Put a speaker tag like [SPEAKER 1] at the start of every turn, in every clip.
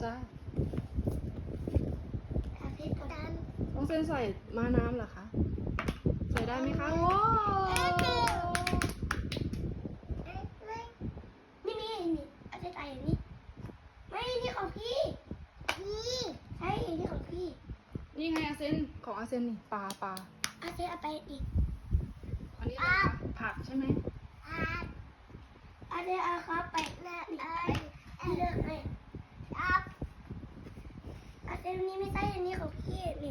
[SPEAKER 1] จ้า
[SPEAKER 2] อาทิตย์กัน
[SPEAKER 1] ต้องเส้นใส่ม้าน้ำเหรอคะ ใส่ได้ไหมคะ โอ้
[SPEAKER 2] นี่อาทิตย์ใส่อย่างนี้ไม่นี่ของพี่ใช่นี่ของพี่
[SPEAKER 1] นี่ไงอาเซนของอาเซนนี่ปลา
[SPEAKER 2] อาทิตย์เอาไปอีก
[SPEAKER 1] อันนี้อะไรคะผักใช่ไหม
[SPEAKER 2] อาทิตย์เอาครับไปหน้านี่เลือกให้อาทิตย์นี้ไม่ใช่อันนี้ของพี่นี่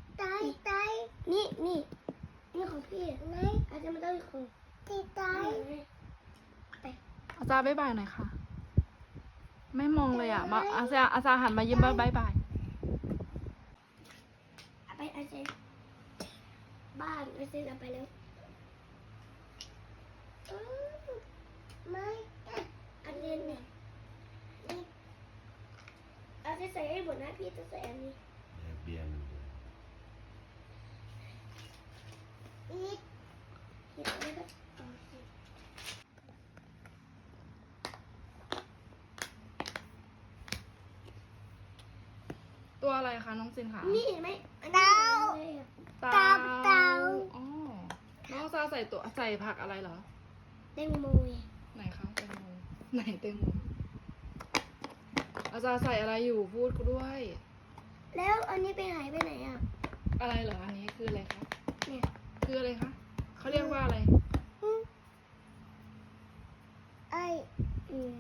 [SPEAKER 2] นี่ของพี่อาทิตย์ไม่ต้องของพี่ไป
[SPEAKER 1] อาจารย์บ๊ายบายหน่อยค่ะ ไม่มองเลยอ่ะมาอาจารย์หันมายิ้มบ๊ายบาย
[SPEAKER 2] เอาไปอาทิตย์บ้านอาทิตย์เอาไปแล้วไม่อาทิตย์เนี่ยอาทิตย์ใส่ให้หมดนะพี่จะใส่อันนี้
[SPEAKER 3] เบียร์มันด้วย
[SPEAKER 2] เดี๋ยวไม่ก็เอาสิ
[SPEAKER 1] ตัวอะไรคะน้องเซนคะ
[SPEAKER 2] นี่เห็นไหม
[SPEAKER 1] เต่า
[SPEAKER 2] เต่า
[SPEAKER 1] อ๋อน้องซาใส่ผักอะไรเหรอ
[SPEAKER 2] แตงโม
[SPEAKER 1] ไหนคะแตงโมไหนแตงโมอาจารย์ใส่อะไรอยู่พูดด้วย
[SPEAKER 2] แล้วอันนี้ไปหายไปไหนอ่ะ
[SPEAKER 1] อะไรเหรออันนี้คืออะไรคะ
[SPEAKER 2] เนี่ย
[SPEAKER 1] คืออะไรคะเขาเรียกว่าอะไร
[SPEAKER 2] ไอ้อืม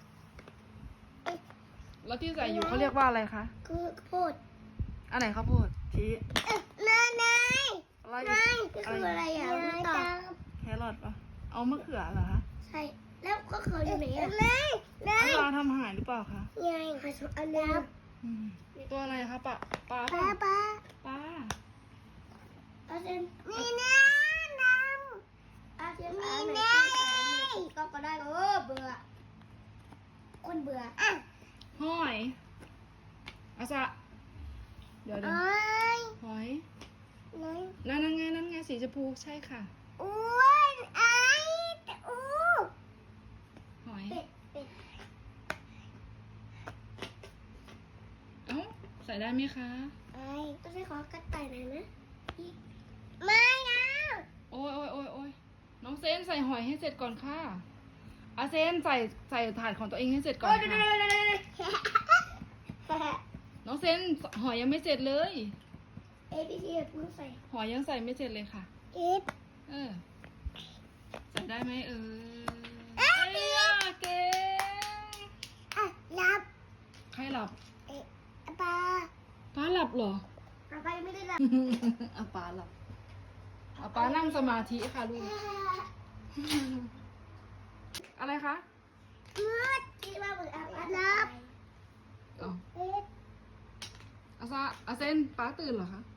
[SPEAKER 1] แล้วที่ใส่อยู่เขาเรียกว่าอะไรคะ
[SPEAKER 2] คือโพด
[SPEAKER 1] อันไหนข้าวโพดชี้
[SPEAKER 2] นาย
[SPEAKER 1] อะไร
[SPEAKER 2] ก็คืออะไรอ่ะไม่ตอบ
[SPEAKER 1] แครอทปะเอามะเขือเหรอคะ
[SPEAKER 2] ใช่แล้วก็เขาอยู่ไหนอ่ะ
[SPEAKER 1] อาจารย์ทำอาหารหรือเปล่าคะ
[SPEAKER 2] ยายค่ะสองอันแล้ว
[SPEAKER 1] อืมตัวอะไรคะปลา
[SPEAKER 2] ป้า
[SPEAKER 1] ปลา
[SPEAKER 2] อาเซนนี่นะน้ำอาเซนนี่นะก็ได้เบื่อคนเบื่ออ่ะ
[SPEAKER 1] หอยอาซะเดี๋ยวหอยนั่นไงสีชมพูใช่ค่ะ
[SPEAKER 2] อ้วนไอ้อู้
[SPEAKER 1] หอย
[SPEAKER 2] เป็ด
[SPEAKER 1] เอ้าใส่ได้ไหมคะ
[SPEAKER 2] ไอ้ต้องใช้ขอกระต่ายหน่อยนะไม่นะ
[SPEAKER 1] โอ้ยน้องเซนใส่หอยให้เสร็จก่อนค่ะอาเซนใส่ถาดของตัวเองให้เสร็จก่อนค่ะน้องเซนหอยยังไม่เสร็จเลย
[SPEAKER 2] เอพีซีเพิ่งใส่
[SPEAKER 1] หอยยังใส่ไม่เสร็จเลยค่ะ
[SPEAKER 2] เอฟ
[SPEAKER 1] ใส่ได้ไหมเอ้ยเก่ง
[SPEAKER 2] อ่ะรับ
[SPEAKER 1] ใครหลับ
[SPEAKER 2] ปลา
[SPEAKER 1] ป้าหลับเหรอ
[SPEAKER 2] ไปไม่ได้รับ
[SPEAKER 1] อาป้าหลับอาป้านั่งสมาธิค่ะลูก อะไรคะ
[SPEAKER 2] มืดที่ว่าเหมือนรับ
[SPEAKER 1] อ๋ออาเซนป้าตื่นเหรอคะ